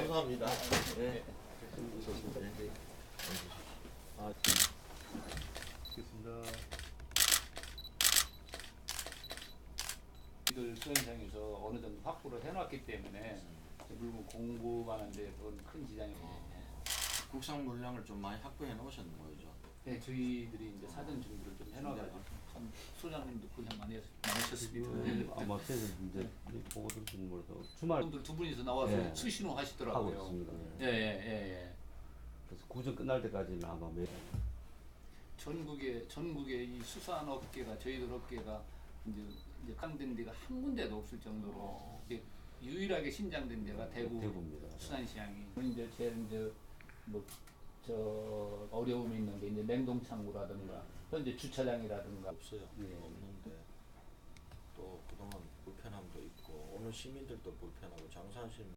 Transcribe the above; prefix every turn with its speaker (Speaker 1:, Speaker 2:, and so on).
Speaker 1: 감사합니다. 네. 아,
Speaker 2: 알겠습니다.
Speaker 3: 이들 수영장에서 어느 정도 확보를 해놨기 때문에 물건 공부하는데 그건 큰 지장이 없네요.
Speaker 1: 국산 물량을 좀 많이 확보해 놓으셨는 거죠?
Speaker 3: 네, 저희들이 이제 사전 준비를 좀 해놔가지고 참 소장님도 고생 많으셨습니다.
Speaker 2: 아마 그래서 이제 보고 들으시는 걸로 주말
Speaker 3: 분들 두 분이서 나와서
Speaker 2: 네.
Speaker 3: 수신호
Speaker 2: 하고
Speaker 3: 하시더라고요.
Speaker 2: 있습니다.
Speaker 3: 예, 예, 예.
Speaker 2: 그래서 구정 끝날 때까지는 아마 매일
Speaker 3: 전국의 이 수산업계가 저희들 업계가 이제 깡된 데가 한 군데도 없을 정도로 이제 유일하게 신장된 데가
Speaker 2: 대구입니다.
Speaker 3: 수산시장이 이제 제일 이제 저 어려움이 있는 게 이제 냉동창고라든가 현재 주차장이라든가
Speaker 1: 없어요.
Speaker 3: 예.
Speaker 1: 없는데 또 그동안 불편함도 있고 오늘 시민들도 불편하고 장사하시는